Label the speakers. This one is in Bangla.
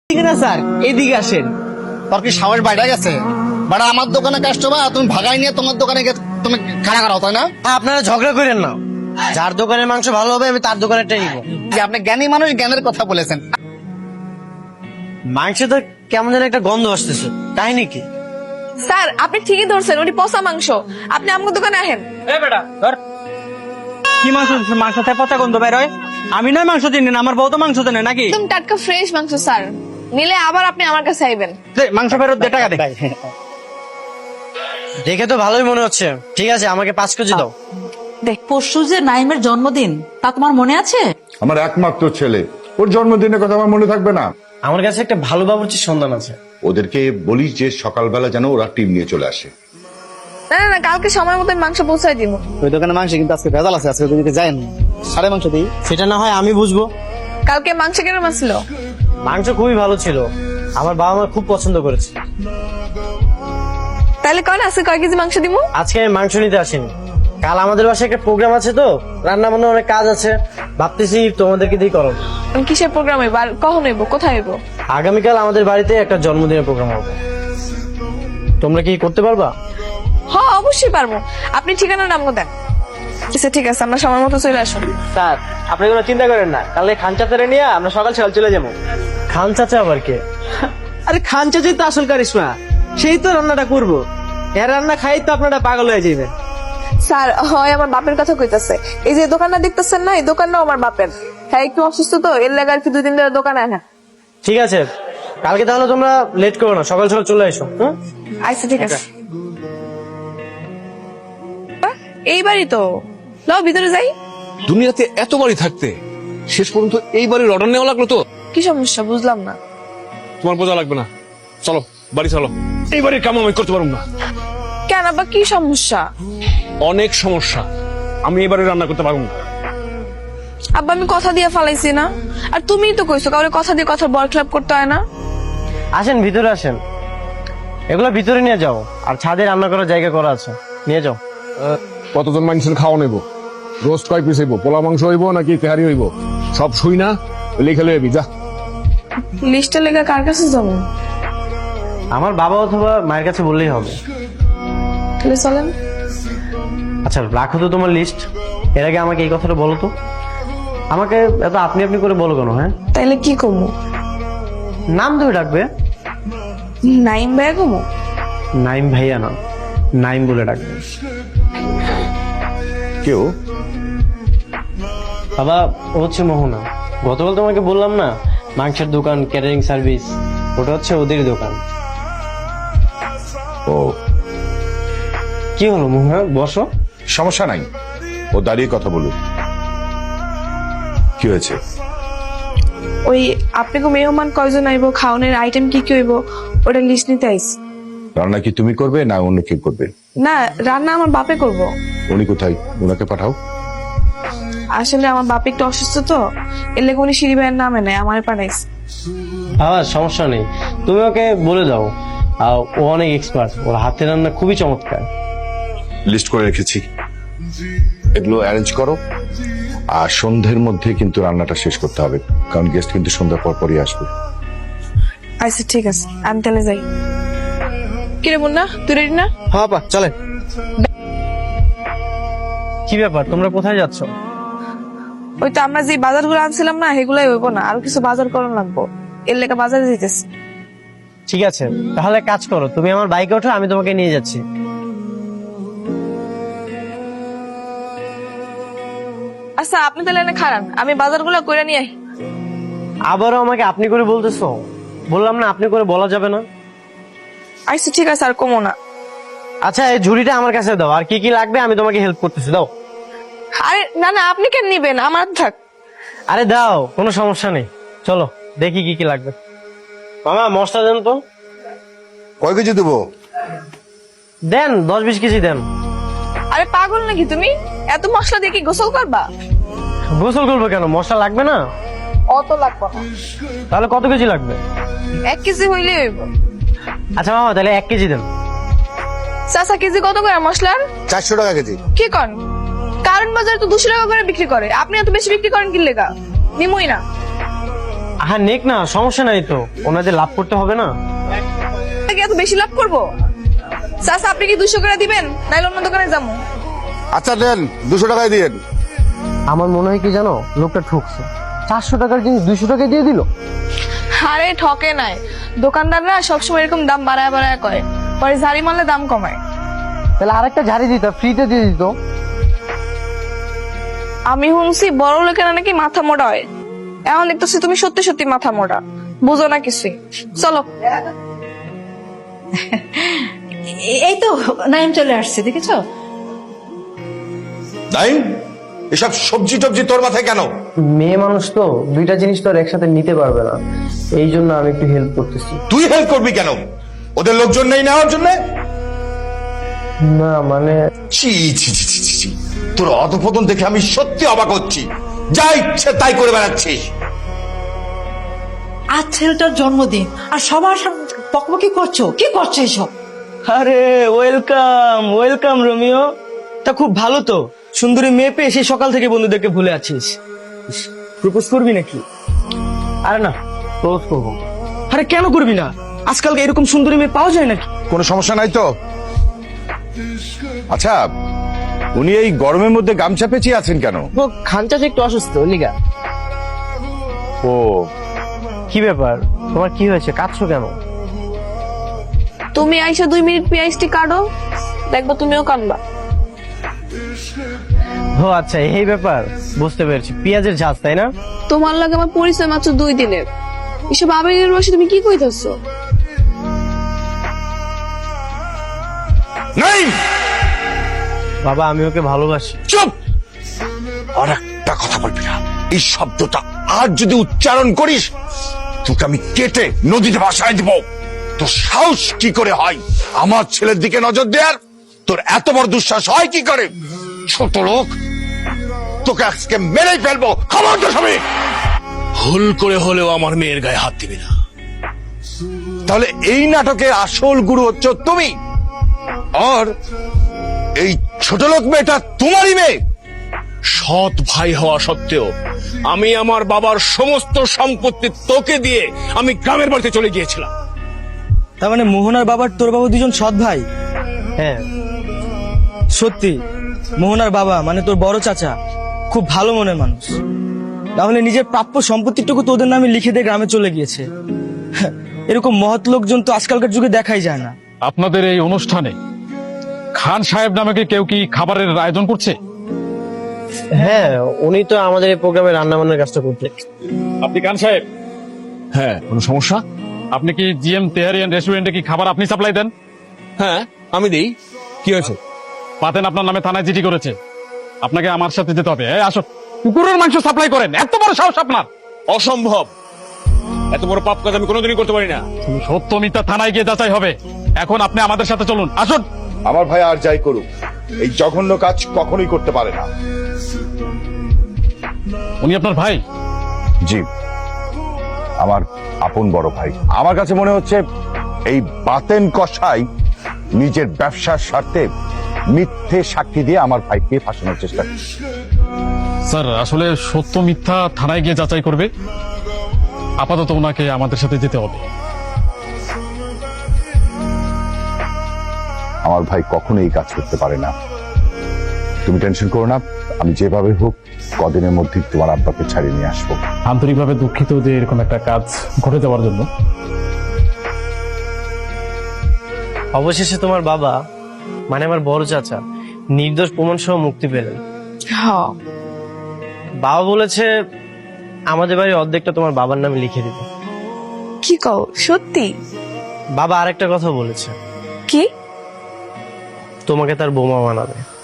Speaker 1: না স্যার, এদিকে আসেন।
Speaker 2: তোর কি সাহস বাইরে গেছে? বাড়া আমার দোকানে কাস্টমার তুমি ভাগাই নিয়ে তোমার দোকানে তুমি খাড়া খাড়াও, তাই না?
Speaker 1: আপনারা ঝগড়া করেন না, যার দোকানের মাংস ভালো হবে আমি তার দোকানেরটাই নিব।
Speaker 2: যে আপনি জ্ঞানী মানুষ, জ্ঞানের কথা বলেছেন।
Speaker 1: মাংসে তো কেমন যেন একটা গন্ধ আসতেছে, কাহিনী কি?
Speaker 3: স্যার আপনি ঠিকই ধরছেন, ওটি পচা মাংস। আপনি আমার দোকানে আহেন।
Speaker 4: বেটা ধর কি মাংস? মাংস থেকে পচা গন্ধ বের হয়? আমি নয় মাংস চিনি না, আমার বউ তো মাংস চেনে নাকি?
Speaker 3: একদম টাটকা ফ্রেশ মাংস স্যার, নিলে আবার আপনি আমার কাছে আইবেন।
Speaker 4: মাংস ফেরত দে, টাকা দে।
Speaker 1: দেখে তো ভালোই মনে হচ্ছে। ঠিক আছে, আমাকে 5 কেজি দাও।
Speaker 5: দেখ, পরশু যে নাইমের জন্মদিন, তা তোমার মনে আছে?
Speaker 6: আমার একমাত্র ছেলে, ওর জন্মদিনের কথা আমার মনে থাকবে না?
Speaker 1: আমার কাছে একটা ভালো বাবুর্চির সন্ধান আছে।
Speaker 6: ওদেরকে বলিস যে সকালবেলা যেন ওরা টিম নিয়ে চলে আসে।
Speaker 3: না না না, কালকে সময় মতো মাংস পৌঁছাই দিব।
Speaker 2: ওই দোকানে মাংস কিন্তু আজকে ভেজাল আছে, আজকে যদি যায়েন সাড়ে মাংস দিই।
Speaker 1: সেটা না হয় আমি বুঝবো।
Speaker 3: কালকে মাংস কেরম ছিল?
Speaker 1: মাংস খুবই ভালো ছিল, আমার বাবা মা খুব পছন্দ করেছে।
Speaker 3: তাহলে কন আজকে কয় কেজি মাংস দিব?
Speaker 1: আজকে আমি মাংস নিতে আসিনি, কাল আমাদের বাসায় একটা প্রোগ্রাম আছে, তো রান্না বান্না অনেক কাজ আছে, ভাবতেছি তোমাদেরকে দিয়ে করো।
Speaker 3: কিসের প্রোগ্রাম হইব আর কখন হইব, কোথায় হইব?
Speaker 1: আগামীকাল আমাদের বাড়িতে একটা জন্মদিনের প্রোগ্রাম হবে, তোমরা কি করতে পারবা?
Speaker 3: হ্যাঁ অবশ্যই পারবো, আপনি ঠিকানা নাম দেন। আচ্ছা ঠিক আছে, আমরা সময় মতো চলে আসুন।
Speaker 4: স্যার আপনি কোনো চিন্তা করেন না, কালকে খান চাচারে নিয়ে আমরা সকাল সকাল চলে যাবো।
Speaker 1: খান চাচা আবার কে?
Speaker 4: আরে খান চাচাই তো আসল কারিশমা, সেই তো রান্নাটা করবো। এর রান্না খাই তো আপনারা পাগল হয়ে যাবেন।
Speaker 3: স্যার হয় আমার বাপের কথা কইতাছে। এই যে দোকানটা দেখতেছেন না, এই দোকানটাও আমার বাপের। হ্যাঁ একটু অসুস্থ তো, এর লাগে আর কি 2 দিন ধরে দোকানে আনা।
Speaker 1: ঠিক আছে, কালকে তাহলে তোমরা লেট করো না, সকাল সকাল চলে এসো।
Speaker 3: আচ্ছা ঠিক আছে। এই বাড়ি তো, লও ভিতরে যাই।
Speaker 7: দুনিয়াতে এত বাড়ি থাকতে শেষ পর্যন্ত এই বাড়ির অর্ডার নেওয়া লাগলো তো?
Speaker 3: কি সমস্যা বুঝলাম না।
Speaker 7: তোমার বোঝা লাগবে না, চলো বাড়ি চলো। এই বাড়ির কাম আমি করতে পারবো না।
Speaker 3: কেন আবার কি সমস্যা?
Speaker 7: অনেক সমস্যা, আমি এই বাড়ি রান্না করতে পারবো না।
Speaker 3: আব্বা আমি কথা দিয়ে ফালাইছি না, আর তুমিই তো কইছো কাউরে কথা দিয়ে কথা বল ক্লাব করতে হয় না।
Speaker 1: আসেন ভিতরে আসেন, এগুলো ভিতরে নিয়ে যাও, আর ছাদে রান্না করার জায়গা করা আছে, নিয়ে যাও।
Speaker 7: কতজন মানুষের খাওয়া নেবো? রোস্ট কয় পিস হইব? পোলা মাংস হইব নাকি তেহারি হইব? সব শুই না, লিখে লইবি যা।
Speaker 3: লিস্টে লেগে কার কাছে যাবো?
Speaker 1: আমার বাবা অথবা মায়ের কাছে বললেই হবে।
Speaker 3: তাহলে চলেন।
Speaker 1: আচ্ছা রাখো তো তোমার লিস্ট, এর আগে আমাকে এই কথাটা বলো তো। আমাকে এত আপনি আপনি করে বলো কেন? হ্যাঁ
Speaker 3: তাইলে কি করবো?
Speaker 1: নাম ধরে ডাকবে।
Speaker 3: নাইম ভাইয়া কমো?
Speaker 1: নাইম ভাইয়া না, নাইম বলে ডাকবে।
Speaker 6: কেউ?
Speaker 1: বাবা ও হচ্ছে মোহনা, গতকাল তোমাকে বললাম না মাংসের দোকান, ক্যাটারিং সার্ভিস, ওটা হচ্ছে ওদের দোকান।
Speaker 6: ও
Speaker 1: কি হলো মোহনা, বসো।
Speaker 6: সমস্যা নাই, ও দাঁড়িয়ে কথা বলুক। কি হয়েছে?
Speaker 3: ওই আপনাকে মেহমান কয়জন আইবো, খাওয়ানোর আইটেম কি কি হইব, ওটা লিস্ট নিতে আইস।
Speaker 6: রান্না কি তুমি করবে না অন্য কেউ করবে?
Speaker 3: না রান্না আমার বাপে করব।
Speaker 6: উনি কোথায়? ওনাকে পাঠাও।
Speaker 3: আসলে আমার বাপ একটু অসুস্থ তো, এর লেগে উনি সিঁড়ি ভাইয়ের নামে নেয়, আমার পাঠাইস।
Speaker 1: বাবা সমস্যা নেই, তুমি ওকে বলে দাও, ও অনেক এক্সপার্ট, ওর হাতের রান্না খুবই চমৎকার।
Speaker 6: লিস্ট করে রেখেছি, এগুলো অ্যারেঞ্জ করো। আর সন্ধ্যের মধ্যে কিন্তু রান্নাটা শেষ করতে হবে, কারণ গেস্ট কিন্তু সন্ধ্যার পর পরই আসবে।
Speaker 3: আচ্ছা ঠিক আছে, আমি তাহলে যাই। কিরে মুন্না, তুই রেডি না?
Speaker 4: হ্যাঁ পা চলে।
Speaker 1: কি ব্যাপার, তোমরা কোথায় যাচ্ছ?
Speaker 3: ওই তো আমরা যে বাজারগুলো আনছিলাম না, সেগুলাই হইব না, আরো কিছু বাজার করার লাগবো, এর লেগে বাজারে যেতেছি।
Speaker 1: ঠিক আছে তাহলে কাজ করো, তুমি আমার বাইকে ওঠো, আমি তোমাকে নিয়ে যাচ্ছি।
Speaker 3: আচ্ছা আপনি তাহলে এনে খারান, আমি বাজারগুলো কইরা নিয়ে আই।
Speaker 1: আবারও আমাকে আপনি করে বলতেছো? বললাম না আপনি করে বলা যাবে না।
Speaker 3: আচ্ছা ঠিক আছে, আর কমো না।
Speaker 1: আচ্ছা এই ঝুড়িটা আমার কাছে দাও, আর কি কি লাগবে আমি তোমাকে হেল্প করতেছি, দাও।
Speaker 3: আরে না না, আপনি কেন নিবেন, আমার থাক।
Speaker 1: আরে দাও, কোনো সমস্যা নেই, চলো দেখি কি কি লাগবে। মামা মশলা দেন তো।
Speaker 6: কয় কেজি দেবো?
Speaker 1: দেন 10-20 কেজি দেন।
Speaker 3: আরে পাগল নাকি তুমি, এত মশলা দিয়ে কি গোসল করবা?
Speaker 1: গোসল করবো কেন, মশলা লাগবে না?
Speaker 3: অত লাগবে না।
Speaker 1: তাহলে কত কেজি লাগবে?
Speaker 3: 1 কেজি হইলে হইব।
Speaker 1: আচ্ছা মামা তাহলে 1 কেজি দেন।
Speaker 3: চাচা কেজি কত করে মশলার?
Speaker 6: 400 টাকা কেজি।
Speaker 3: কি কন, কারণ বাজারে তো 200 টাকা করে বিক্রি করে, আপনি এত বেশি বিক্রি করেন কি লেগা? নিমই না।
Speaker 1: হ্যাঁ নেক না, সমস্যা নাই তো, ওনাদের লাভ করতে হবে না।
Speaker 3: কি এত বেশি লাভ করবো? চাচা আপনি কি 200 করে দিবেন, নাইলে অন্য দোকানে যাবো।
Speaker 2: আচ্ছা দেন 200 টাকায় দিয়েন।
Speaker 1: আমার মনে হয় কি জানো, লোকটা ঠকছে। 400 টাকার জিনিস 200 টাকায় দিয়ে দিল।
Speaker 3: আরে ঠকে নাই, দোকানদাররা সবসময় এরকম দাম বাড়ায় বাড়ায় কয়, পরে ঝাড়ি মারলে দাম কমায়।
Speaker 1: তাহলে আরেকটা ঝাড়ি দিত, ফ্রিতে দিয়ে দিত।
Speaker 3: আমি শুনছি বড় লোকেরা নাকি মাথা মোটা হয়, এখন দেখতেছি তুমি সত্যি সত্যি মাথা মোটা, বুঝো না কিছুই। চলো।
Speaker 5: এই তো নাইম চলে আসছে, দেখেছো?
Speaker 6: নাইম, এসব সবজি টবজি তোর মাথায় কেন?
Speaker 1: মেয়ে মানুষ তো, দুইটা জিনিস তো আর একসাথে নিতে পারবে না, এই জন্য আমি একটু হেল্প করতেছি।
Speaker 6: তুই হেল্প করবি কেন? ওদের লোকজন নেই নেওয়ার জন্য?
Speaker 1: না মানে
Speaker 6: ছি ছি ছি ছি ছি ছি। তোর অধপতন দেখে আমি সত্যি অবাক হচ্ছি। যা ইচ্ছে তাই করে বেড়াচ্ছিস।
Speaker 5: আজ ছেলেটার জন্মদিন আর সবার সামনে বকবকি করছো, কি করছো এসব?
Speaker 4: আরে ওয়েলকাম ওয়েলকাম রোমিও। তা খুব ভালো তো, সুন্দরী মেয়ে পেয়ে সেই সকাল থেকে বন্ধুদেরকে ভুলে আছিস। প্রপোজ করবি নাকি?
Speaker 1: আরে না, ক্লোজ করবো।
Speaker 4: আরে কেন করবি না? আজকাল এরকম সুন্দরী মেয়ে পাওয়া যায় নাকি?
Speaker 6: কোনো সমস্যা নাই তো? আচ্ছা, উনি এই গরমের মধ্যে গামছা পেঁচিয়ে আছেন কেন?
Speaker 1: ও খানচাচ একটু অসুস্থ, লিগা।
Speaker 6: ও,
Speaker 1: কি ব্যাপার, তোমার কি হয়েছে, কাঁদছো কেন?
Speaker 3: তুমি আইসা 2 মিনিট পেঁয়াজটি কাটো, দেখবো তুমিও কাটবা।
Speaker 1: ও আচ্ছা, এই ব্যাপার, বুঝতে পেরেছি। পেঁয়াজের ঝাঁজ, তাই না?
Speaker 3: তোমার লাগে আমার পরিচয় মাত্র 2 দিনের, এসব আবেগের বসে তুমি কি কইতাছো?
Speaker 6: নাইম,
Speaker 1: বাবা আমি ওকে ভালোবাসি।
Speaker 6: চুপ! আর একটা কথা বলবি না। এই শব্দটা আর যদি উচ্চারণ করিস, তোকে আমি কেটে নদীতে ভাসায় দিব। তোর সাহস কি করে হয় আমার ছেলের দিকে নজর দেয়ার? তোর এত বড় দুঃসাহস হয় কি করে? ছোট লোক, তোকে আজকে মেরেই ফেলবো। খবর তো সবই।
Speaker 8: ভুল করে হলেও আমার মেয়ের গায়ে হাত দিবি না।
Speaker 6: তাহলে এই নাটকের আসল গুরু হচ্ছে তুমি, আর এই ছোট লোক মেয়েটা তোমারই মেয়ে।
Speaker 8: সৎ ভাই হওয়া সত্ত্বেও আমি আমার বাবার সমস্ত সম্পত্তি তোকে দিয়ে আমি গ্রামের বাড়িতে চলে গিয়েছিলাম।
Speaker 4: তার মানে মোহনার বাবার তোর বাবা দুজন সৎ ভাই?
Speaker 1: হ্যাঁ
Speaker 4: সত্যি, মোহনার বাবা মানে তোর বড় চাচা খুব ভালো মনের মানুষ। তাহলে নিজের প্রাপ্য সম্পত্তিটুকু তোদের নামে লিখে দিয়ে গ্রামে চলে গিয়েছে। এরকম মহৎ লোকজন তো আজকালকার যুগে দেখাই যায় না।
Speaker 9: আপনাদের এই অনুষ্ঠানে খান সাহেব নামে কেউ কি খাবারের আয়োজন করছে?
Speaker 1: হ্যাঁ, উনি তো আমাদের এই প্রোগ্রামে রান্না বান্নার কাজটা করতে।
Speaker 9: আপনি খান সাহেব? হ্যাঁ, কোনো সমস্যা? আপনি কি জিএম তেহারিয়ান রেস্টুরেন্টে কি খাবার আপনি সাপ্লাই দেন?
Speaker 8: হ্যাঁ আমি দিই, কি হয়েছে?
Speaker 9: পাতেন আপনার নামে থানায় চিঠি করেছে, আপনাকে আমার সাথে যেতে হবে। এই আসো, কুকুরের মাংস সাপ্লাই করেন, এত বড় সাহস আপনার?
Speaker 8: অসম্ভব, এত বড় পাপ কাজ আমি কোনোদিনই করতে পারি না।
Speaker 9: সত্য মিথ্যা থানায় গিয়ে যাচাই হবে। এখন আপনি আমাদের সাথে চলুন, আসুন।
Speaker 6: আমার ভাই আর যাই করুক, এই জঘন্য কাজ কখনোই করতে পারে না।
Speaker 9: উনি আপনার ভাই?
Speaker 6: জি, আমার আপন বড় ভাই। আমার কাছে মনে হচ্ছে এই বাতেন কসাই নিজের ব্যবসার স্বার্থে মিথ্যে সাক্ষী দিয়ে আমার ভাইকে ফাঁসানোর চেষ্টা করছে।
Speaker 9: স্যার, আসলে সত্য মিথ্যা থানায় গিয়ে যাচাই করবে। আপাতত ওনাকে আমাদের সাথে যেতে হবে।
Speaker 6: আমার ভাই কখনো এই কাজ করতে পারে না। তুমি টেনশন করো না, আমি যেভাবে হোক কদিনের মধ্যে তোমার আব্বাকে ছাড়িয়ে নিয়ে আসবো।
Speaker 9: আন্তরিকভাবে দুঃখিত যে এরকম একটা কাজ ঘটে যাওয়ার জন্য।
Speaker 1: অবশেষে তোমার বাবা মানে আমার বড় চাচা নির্দোষ প্রমাণ সহ মুক্তি পেলেন।
Speaker 3: হ্যাঁ,
Speaker 1: বাবা বলেছে আমাদের বাড়ির অর্ধেকটা তোমার বাবার নামে লিখে দিতে।
Speaker 3: কি কও সত্যি?
Speaker 1: বাবা আরেকটা কথা বলেছে,
Speaker 3: কি?
Speaker 1: তোমাকে তার বোমা বানাবে।